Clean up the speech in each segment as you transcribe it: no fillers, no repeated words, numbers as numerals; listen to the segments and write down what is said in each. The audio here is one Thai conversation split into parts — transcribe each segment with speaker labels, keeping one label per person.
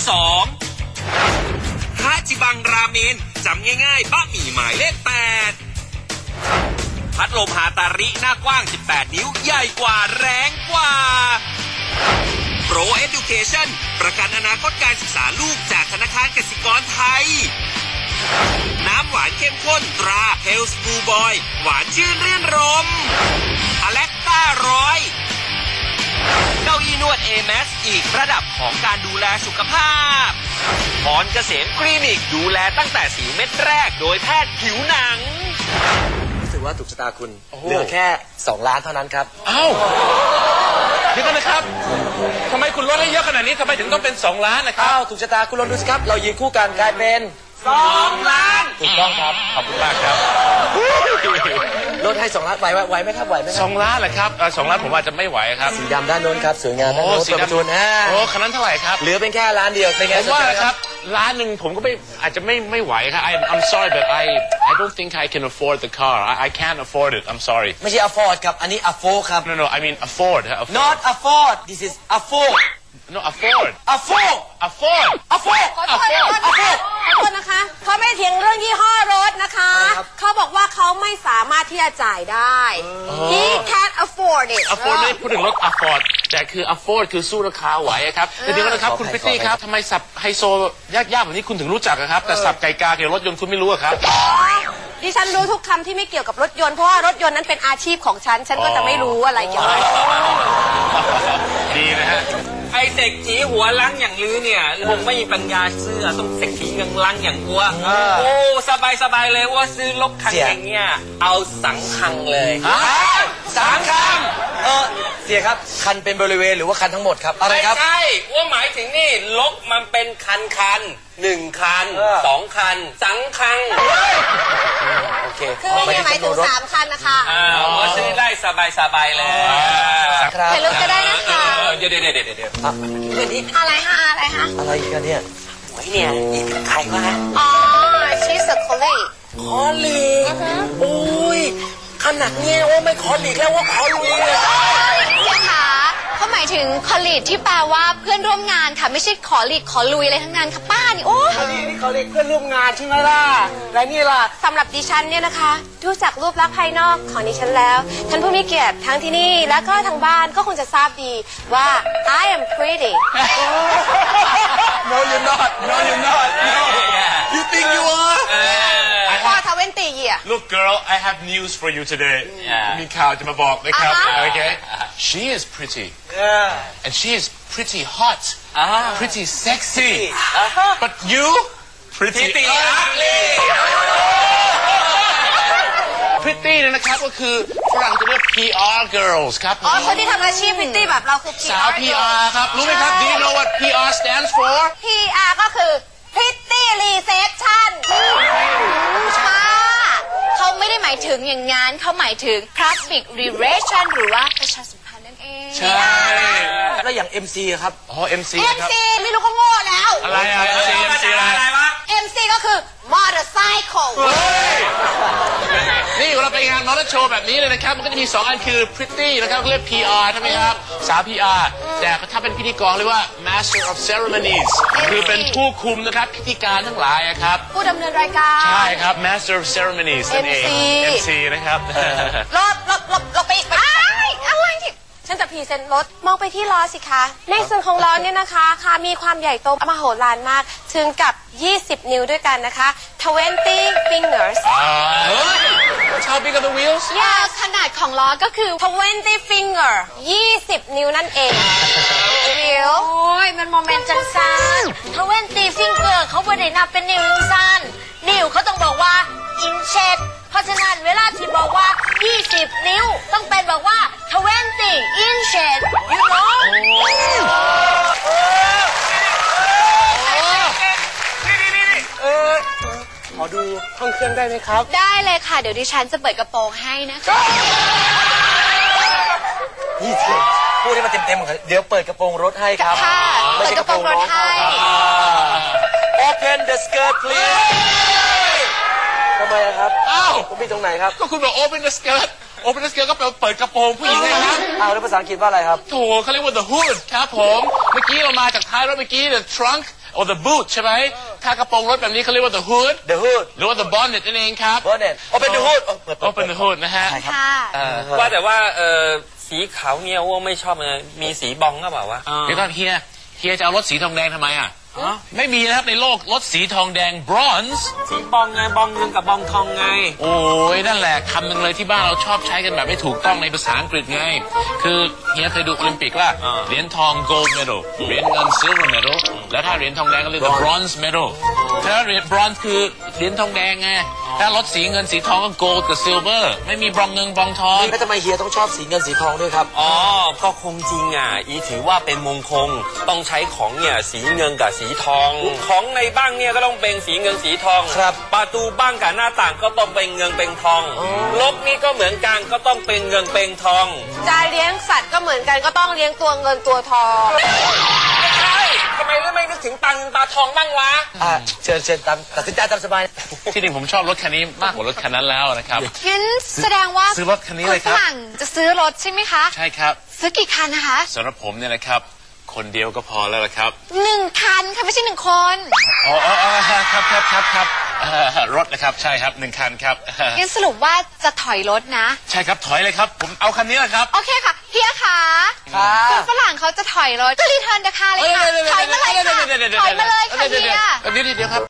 Speaker 1: 2 ฮาจิบังราเมนจำง่ายๆบะหมี่หมายเลข 8 พัดลมฮาตาริหน้ากว้าง 18 นิ้วใหญ่กว่าแรงกว่า Pro Education ประกันอนาคตการศึกษาลูกจากธนาคารกสิกรไทย น้ำหวานเข้มข้นตรา Health Blue Boy หวานชื่นรื่นรมอเล็กต้า100เก้าอี้นวด AMAX อีกระดับของการดูแลสุขภาพหมอนเกษมคลินิกดูแลตั้งแต่4 เม็ดแรกโดยแพทย์ผิวหนัง
Speaker 2: รู้สึกว่าถูกชะตาคุณเหลือแค่2 ล้านเท่านั้นครับ
Speaker 3: อ้าวเดี๋ยวกันนะครับทำไมคุณลดให้เยอะขนาดนี้ทำไมถึงต้องเป็น2 ล้านนะครับ
Speaker 2: อ้าวถูกชะตาคุณลองดูสิครับเรายืนคู่กันกลายเป็น
Speaker 1: 2 ล้าน
Speaker 3: ถูกต้องครับขอบคุณมากครับ
Speaker 2: ลดให้2 ล้านไหวไหมครับไหวไหม
Speaker 3: 2 ล้านเหรอครับ2 ล้านผมอาจจะไม่ไหวครับ
Speaker 2: สีดำด้านโน้นครับสวยงามด้านโน้นประตู
Speaker 3: โอ้คันนั้นเท่าไหร่ครับ
Speaker 2: เหลือเป็นแค่ล้านเดียวเป็นไง
Speaker 3: ผมว่าครับล้านหนึ่งผมก็อาจจะไม่ไหวครับ I'm sorry but I don't think I can afford the car I can't afford it I'm sorry
Speaker 2: ไม่ใช่ afford ครับอันนี้ afford ครับ
Speaker 3: No I mean afford
Speaker 2: not afford this is afford
Speaker 3: no afford
Speaker 4: ขอโทษนะคะเขาไม่เถียงเรื่องยี่ห้อรถนะคะเขาบอกว่าเขาไม่สามารถที่จะจ่ายได้ he can't afford it
Speaker 3: afford ไม่พูดถึงรถ afford แต่คือ afford คือสู้ราคาไหวครับแต่เดี๋ยวนะครับคุณพิตตี้ครับทำไมสับไฮโซยากๆแบบนี้คุณถึงรู้จักครับแต่สับไก่กาเกี่ยวกับรถยนต์คุณไม่รู้ครับ
Speaker 4: ดิฉันรู้ทุกคำที่ไม่เกี่ยวกับรถยนต์เพราะว่ารถยนต์นั้นเป็นอาชีพของฉันก็จะไม่รู้อะไรเกี่ยวกับ
Speaker 3: ดีนะฮะ
Speaker 1: ไอเศรษฐีหัวล้างอย่างลือเนี่ยคงไม่มีปัญญาซื้อต้องเศรษฐีเงินล้างอย่างอ้วโอ้สบายเลยว่าซื้อรถคันอย่างเงี้ยเอาสังคังเลย
Speaker 2: สังคังเสียครับคันเป็นบริเวณหรือว่าคันทั้งหมดครับอะไรครับ
Speaker 1: ไม่ใช่ว่าหมายถึงนี่รถมันเป็นคัน1 คัน2 คันสังคัง
Speaker 2: โอเค
Speaker 4: คือไม่หมายถึง3 คันนะคะ
Speaker 1: ว่าซื้อได้สบายเลย
Speaker 4: เห็นรถก็ได้นะคะ
Speaker 1: เดี๋ยว
Speaker 4: อะไร
Speaker 2: อะไรกันเนี่ย
Speaker 1: โอ้ยเนี่ยนี่เป็นใครวะ
Speaker 4: อ๋อ she's a colleague
Speaker 2: คอลีกโอ้ยขนาดนี้ว่าไม่ขอลีกแล้วว่าขอลุยเลย
Speaker 5: เสียค่ะเขาหมายถึงคอลีกที่แปลว่าเพื่อนร่วมงานค่ะไม่ใช่ขอลีกขอลุยอะไรทั้งนั้นค่ะป้านี่โอ้
Speaker 2: นี่ขอลีกเพื่อนร่วมงานใช่ไหมล่ะและนี่ล่ะ
Speaker 4: สำหรับดิฉันเนี่ยนะคะดูจากรูปลักษณ์ภายนอกของดิฉันแล้วท่านผู้มีเกียรติทั้งที่นี่และก็ทางบ้านก็คงจะทราบดีว่า I am pretty
Speaker 2: No you're not You think you are
Speaker 3: Look girl I have news for you today มีข่าวจะมาบอกนะครับ Okay She is pretty and she is pretty hot pretty sexy but you pretty ugly pretty นะครับก็คือฝรั่งจะเรียก PR girls ครับ
Speaker 4: คนที่ทำอาชีพ pretty แบบเราคือ
Speaker 3: สาว PR ครับรู้ไหมครับ Do you know what PR stands for
Speaker 4: PR ก็คือ pretty reception
Speaker 5: เขาไม่ได้หมายถึงอย่างงั้นเขาหมายถึง public relation หรือว่าประชาสัมพันธ์นั่นเอง
Speaker 3: ใช่
Speaker 2: แล้วอย่าง MC ครับ
Speaker 3: MC ครับ
Speaker 4: MC ไม่รู้ก็โง่แล้ว
Speaker 3: อะไรMC อะไร
Speaker 4: วะ MC ก็คือ motorcycle
Speaker 3: นี่เราไปงานมอเตอร์โชว์แบบนี้เลยนะครับมันก็จะมี2 อันคือ pretty นะครับเรียก PR ใช่ไหมครับสาว PR แต่ถ้าเป็นพิธีกรเรียกว่า master of ceremonies คือเป็นผู้คุมนะครับพิธีการทั้งหลายครับ
Speaker 4: ผู้ดำเนินรายการ
Speaker 3: ใช่ครับ master of ceremonies นั่นเอง MC นะครับ
Speaker 4: เราไปอะไรที่ฉันจะพรีเซนต์รถมองไปที่ล้อสิคะในส่วนของล้อเนี่ยนะคะมีความใหญ่โตมโหฬารมากถึงกับ20 นิ้วด้วยกันนะคะ20 fingers
Speaker 3: How big are the wheels
Speaker 5: ขนาดของล้อก็คือ
Speaker 4: 20 finger 20 นิ้วนั่นเองวิวโอ้ยมันโมเมนต์จังซัน
Speaker 5: 20 finger เขาไม่ได้นับเป็นนิ้วซันนิ้วเขาต้องบอกว่า inches เพราะฉะนั้นเวลาที่บอกว่า20 นิ้วต้องเป็นบอกว่า20 inches you know
Speaker 2: ขอดูห้องเครื่องได้ไหมครับ
Speaker 5: ได้เลยค่ะเดี๋ยวดิฉันจะเปิดกระโปรงให้นะคะ
Speaker 2: นี่เถอะพูดให้มันเต็มๆเดี๋ยวเปิดกระโปรงรถให้ครับ
Speaker 5: ค่ะเปิดกระโปรงรถให้
Speaker 2: Open the skirt please ทำไมครับคุณมีตรงไหนครับ
Speaker 3: ก็คุณบอก Open the skirt Open the skirt ก็แปลว่าเปิดกระโปรงผู้หญิงไงครับ
Speaker 2: แล้วภาษาอังกฤษว่าอะไรครับ
Speaker 3: โถเขาเรียกว่า the hood ครับผมเมื่อกี้เรามาจากท้ายรถเมื่อกี้ the trunk or the boot ใช่ไหมถ้ากระโปรงรถแบบนี้เขาเรียกว่า the hood
Speaker 2: the hood
Speaker 3: หรือว่า the bonnet นั่นเองครับ
Speaker 2: bonnet open the hood
Speaker 3: open the hood นะฮะ
Speaker 4: ค่ะ
Speaker 6: ว่าแต่ว่าสีขาวเนี่ยว่าไม่ชอบเลยมีสีบองก็เปล่าวะ
Speaker 3: เดี๋ยวก่อนเฮียจะเอารถสีทองแดงทำไมอ่ะไม่มีนะครับในโลกรถสีทองแดง bronze
Speaker 6: สีบองไงบองเงินกับบองทองไง
Speaker 3: โอ้ยนั่นแหละคำหนึ่งเลยที่บ้านเราชอบใช้กันแบบไม่ถูกต้องในภาษาอังกฤษไงคือเฮียเคยดูโอลิมปิกว่าเหรียญทอง gold medal เหรียญเงิน silver medal แล้วถ้าเหรียญทองแดงก็เรียกว่า bronze medal ถ้าเหรียญ bronze คือเหรียญทองแดงไงถ้ารถสีเงินสีทองก็ gold กับ silver ไม่มีบรองเงินบรองทอง
Speaker 2: แล้วทำไมเฮียต้องชอบสีเงินสีทองด้วยครับ
Speaker 6: อ๋อก็คงจริงอ่ะอีถือว่าเป็นมงคลต้องใช้ของเนี่ยสีเงินกับสีทองของในบ้านเนี่ยก็ต้องเป็นสีเงินสีทอง
Speaker 2: ครับ
Speaker 6: ประตูบ้านกับหน้าต่างก็ต้องเป็นเงินเป็นทองรถนี่ก็เหมือนกันก็ต้องเป็นเงินเป็นทอง
Speaker 4: จะเลี้ยงสัตว์ก็เหมือนกันก็ต้องเลี้ยงตัวเงินตัวทอง
Speaker 6: ใช่ทำไมไม่นึกถึงปลาเงินปลาทองบ้างวะ
Speaker 2: เชิญตามตัดสินใจตามสบาย
Speaker 3: ที่จริงผมชอบรถคันนี้มากกว่ารถคันนั้นแล้วนะครับ
Speaker 7: งั้นแสดงว่า
Speaker 3: ซื้อรถคันนี้เลยครับ
Speaker 7: ฝรั่งจะซื้อรถใช่ไหมคะ
Speaker 3: ใช่ครับ
Speaker 7: ซื้อกี่คันนะคะ
Speaker 3: สำหรับผมเนี่ยนะครับคนเดียวก็พอแล้วละครับ
Speaker 7: 1 คันค่ะไม่ใช่1 คน
Speaker 3: อ๋อครับรถนะครับใช่ครับ1 คันครับ
Speaker 7: งั้นสรุปว่าจะถอยรถนะ
Speaker 3: ใช่ครับถอยเลยครับผมเอาคันนี้แหละครับ
Speaker 7: โอเคค่ะเฮียค่ะคุณฝรั่งเขาจะถอยรถก็รีเทิร์นราคาเลยค่ะถอยมาเลยค่ะถอยมาเลยค่ะเฮีย
Speaker 3: เดี๋ยวครับ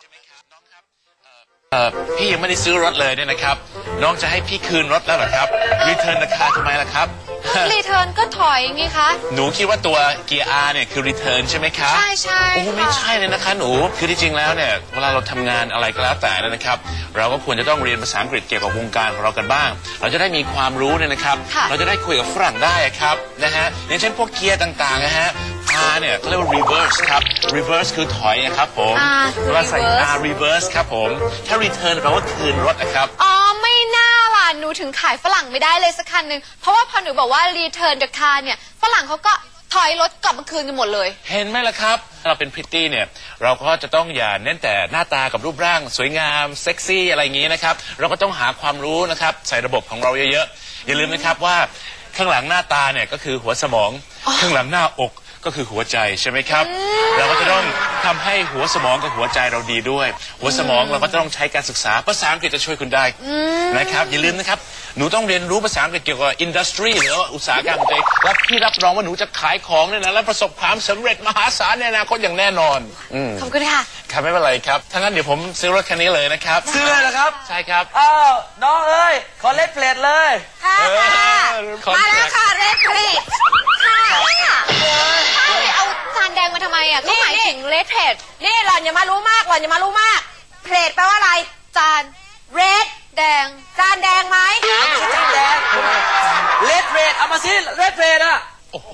Speaker 3: พี่ยังไม่ได้ซื้อรถเลยเนี่ยนะครับน้องจะให้พี่คืนรถแล้วเหรอครับรีเทิร์นราคาทำไมล่ะครับ
Speaker 7: รีเทิร์นก็ถอยไงคะ
Speaker 3: หนูคิดว่าตัวเกียร์ R เนี่ยคือรีเทิร์นใช่ไหมครับ
Speaker 7: ใช่
Speaker 3: โอ้ไม่ใช่เลยนะคะหนูคือที่จริงแล้วเนี่ยเวลาเราทำงานอะไรก็แล้วแต่นะครับเราก็ควรจะต้องเรียนภาษาอังกฤษเกี่ยวกับวงการของเรากันบ้างเราจะได้มีความรู้เนี่ยนะครับเราจะได้คุยกับฝรั่งได้ครับนะฮะอย่างเช่นพวกเกียร์ต่างๆนะฮะ R เนี่ยเขาเรียกว่า reverse ครับ reverse คือถอยนะครับผมเวลาใส่ R reverse ครับผมถ้า return แปลว่าคืนรถนะครับ
Speaker 7: อ๋อไม่น่าล่ะหนูถึงขายฝรั่งไม่ได้เลยสักคันหนึ่งเพราะว่าพอหนูบอกว่า return the car เนี่ยฝรั่งเขาก็ถอยรถกลับมาคืนกันหมดเลย
Speaker 3: เห็นไหมล่ะครับเราเป็นพริตตี้เนี่ยเราก็จะต้องอย่าเน้นแต่หน้าตากับรูปร่างสวยงามเซ็กซี่อะไรอย่างนี้นะครับเราก็ต้องหาความรู้นะครับใส่ระบบของเราเยอะๆอย่าลืมนะครับว่าข้างหลังหน้าตาเนี่ยก็คือหัวสมองข้างหลังหน้าอกก็คือหัวใจใช่ไหมครับเราก็จะต้องทำให้หัวสมองกับหัวใจเราดีด้วยหัวสมองเราก็ต้องใช้การศึกษาภาษาอังกฤษจะช่วยคุณได้นะครับอย่าลืมนะครับหนูต้องเรียนรู้ภาษาอังกฤษเกี่ยวกับอินดัสทรีหรืออุตสาหกรรมใจและพี่รับรองว่าหนูจะขายของเนี่ยนะและประสบความสำเร็จมหาศาลในอนาคตอย่างแน่นอน
Speaker 7: ขอบคุณค่ะ
Speaker 3: ครับไม่เป็นไรครับถ้างั้นเดี๋ยวผมซื้อรถคันนี้เลยนะครับ
Speaker 2: ซื้อเลยเหรอครับ
Speaker 3: ใช่ครับ
Speaker 2: อ้าวน้องเอ้ยขอเลดเพลทเลย
Speaker 4: ค่ะมาแล้วค่ะเลดเพลท
Speaker 7: ค่ะเอาจานแดงมาทำไมอ่ะก็หมายถึงเลดเพลท
Speaker 4: นี่หล่อนอย่ามารู้มากเพลทแปลว่าอะไร
Speaker 7: จาน
Speaker 4: เรด
Speaker 7: แดง
Speaker 4: จานแดงไหม
Speaker 2: จานแดงเลดเพลทเอามาสิเลดเพลทอ่ะ
Speaker 3: โอ้โห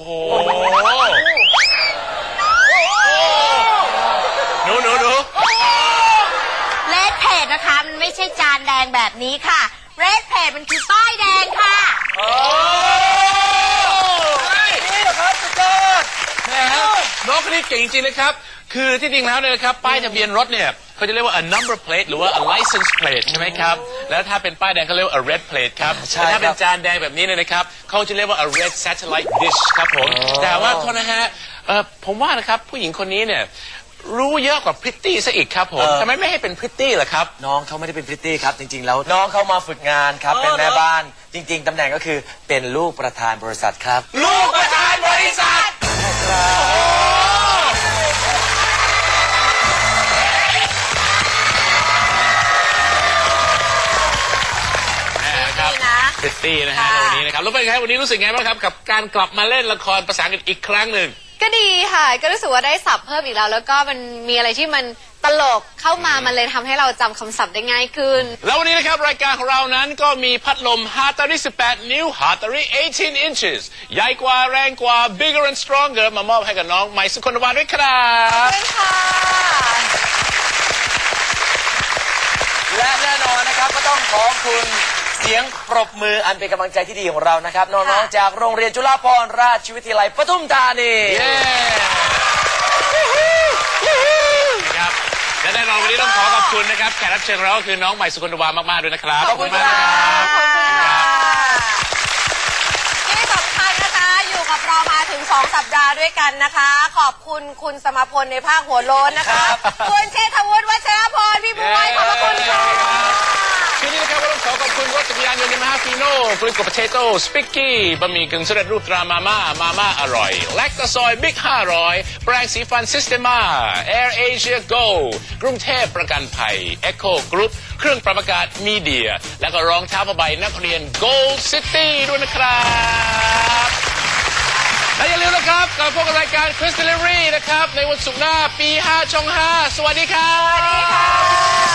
Speaker 3: หนู
Speaker 5: เลดเพลทนะคะมันไม่ใช่จานแดงแบบนี้ค่ะเรดเพลทมันคือป้ายแดงค่ะ
Speaker 2: นี่เหรอครับสุดยอด
Speaker 3: น้องคนนี้เก่งจริงนะครับคือที่จริงแล้วเนี่ยนะครับป้ายทะเบียนรถเนี่ยเขาจะเรียกว่า a number plate หรือว่า a license plate ใช่ไหมครับแล้วถ้าเป็นป้ายแดงเขาเรียกว่า a red plate ครับแต่ถ้าเป็นจานแดงแบบนี้เนี่ยนะครับเขาจะเรียกว่า a red satellite dish ครับผมแต่ว่าโทษนะฮะผมว่านะครับผู้หญิงคนนี้เนี่ยรู้เยอะกว่าพริตตี้ซะอีกครับผมทำไมไม่ให้เป็นพริตตี้ล่ะครับ
Speaker 2: น้องเขาไม่ได้เป็นพริตตี้ครับจริงๆแล้วน้องเขามาฝึกงานครับเป็นแม่บ้านจริงๆตำแหน่งก็คือเป็นลูกประธานบริษัทครับ
Speaker 3: ลูกประธานบริษัทพริตตี้นะฮะวันนี้นะครับแล้วเป็นไงวันนี้รู้สึกไงบ้างครับกับการกลับมาเล่นละครภาษาอังกฤษอีกครั้งหนึ่ง
Speaker 7: ก็ดีค่ะก็รู้สึกว่าได้ศัพท์เพิ่มอีกแล้วก็มันมีอะไรที่มันตลกเข้ามามันเลยทำให้เราจำคำศัพท์ได้ง่ายขึ้น
Speaker 3: แล้ววันนี้นะครับรายการของเรานั้นก็มีพัดลม Hatari 18 นิ้ว Hatari 18 inches ใหญ่กว่าแรงกว่า bigger and stronger มามอบให้กับน้องใหม่สุคนวาด้วยครับ
Speaker 7: ค่ะ
Speaker 2: และแน่นอนนะครับก็ต้องขอบคุณเสียงปรบมืออันเป็นกำลังใจที่ดีของเรานะครับน้องๆจากโรงเรียนจุฬาภรณราชวิทยาลัยปทุมธานี
Speaker 3: ครับและแน่นอนวันนี้ต้องขอบคุณนะครับแขกรับเชิญของเราก็คือน้องใหม่สุคนวามากๆด้วยนะครับ
Speaker 2: ขอบคุณมากครับ
Speaker 4: ที่สำคัญนะคะอยู่กับเรามาถึงถึง 2 สัปดาห์ด้วยกันนะคะ ขอบคุณคุณสมพลในภาคหัวโล้นนะคะคุณเชษฐวุฒิวัชรพรพี่บุ้ยขอบพระคุณค่ะ
Speaker 3: ทีนี้นะครับเราต้องขอขอบคุณรถจักรยานยนต์ยามาฮ่าฟีโน่ฟลุตโกโพเตโต้สปิกกี้บะหมี่กึ่งสำเร็จรูปตรามาม่าอร่อยแลคตาซอยบิ๊ก500แปรงสีฟันซิสเตมาแอร์เอเชียโกกรุงเทพประกันภัยเอ็กโคกรุ๊ปเครื่องปรับอากาศมีเดียและก็รองเท้าผ้าใบนักเรียน Gold City ด้วยนะครับและอย่าลืมนะครับกลับพบกับรายการ Quiz Delivery นะครับในวันศุกร์หน้าปี 5 ช่อง 5 สวัสดีครับ